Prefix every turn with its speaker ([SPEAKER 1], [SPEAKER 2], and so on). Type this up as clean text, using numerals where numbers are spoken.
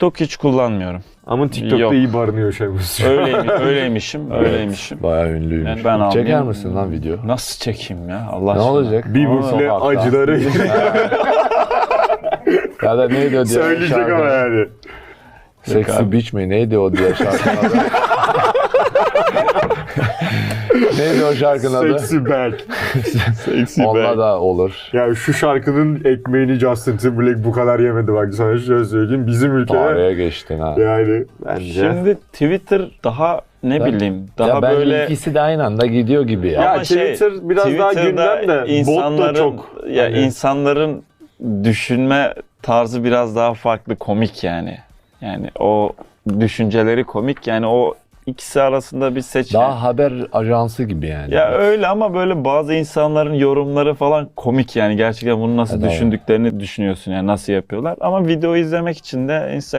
[SPEAKER 1] TikTok hiç kullanmıyorum.
[SPEAKER 2] Ama TikTok'ta
[SPEAKER 1] Yok.
[SPEAKER 2] iyi barınıyor şey bu.
[SPEAKER 1] Öyleymişim.
[SPEAKER 3] Bayağı ünlüymüş.
[SPEAKER 1] Yani ben
[SPEAKER 3] Çeker
[SPEAKER 1] almayayım.
[SPEAKER 3] misin lan video?
[SPEAKER 1] Nasıl çekeyim ya Allah
[SPEAKER 3] Ne
[SPEAKER 1] aşkına.
[SPEAKER 3] olacak?
[SPEAKER 2] Bieber ile
[SPEAKER 3] Sokakta.
[SPEAKER 2] acıları
[SPEAKER 3] Ya da neydi o diye
[SPEAKER 2] söyleyecek
[SPEAKER 3] şarkı?
[SPEAKER 2] ama yani.
[SPEAKER 3] Sexy Beach mi? Neydi o diye şarkının adı? Neydi o şarkının adı?
[SPEAKER 2] Sexy back. Sexy
[SPEAKER 3] Onunla
[SPEAKER 2] back.
[SPEAKER 3] da olur.
[SPEAKER 2] Ya şu şarkının ekmeğini Justin Timberlake bu kadar yemedi bak sana şöyle söyleyeyim. Bizim ülkede
[SPEAKER 3] Tarihe geçtin ha.
[SPEAKER 2] yani bence.
[SPEAKER 1] Şimdi Twitter daha bileyim daha
[SPEAKER 3] ya ben
[SPEAKER 1] böyle
[SPEAKER 3] ikisi de aynı anda gidiyor gibi ya.
[SPEAKER 2] Ya
[SPEAKER 1] Ama
[SPEAKER 2] Twitter biraz daha
[SPEAKER 1] Twitter'da
[SPEAKER 2] gündem de bot da
[SPEAKER 1] insanların
[SPEAKER 2] çok.
[SPEAKER 1] ya
[SPEAKER 2] Hani-
[SPEAKER 1] insanların düşünme tarzı biraz daha farklı, komik yani. Yani o düşünceleri komik, yani o ikisi arasında bir seçim.
[SPEAKER 3] Daha haber ajansı gibi yani.
[SPEAKER 1] Ya öyle ama böyle bazı insanların yorumları falan komik yani, gerçekten bunu nasıl
[SPEAKER 3] Evet,
[SPEAKER 1] düşündüklerini düşünüyorsun yani, nasıl yapıyorlar. Ama video izlemek için de Instagram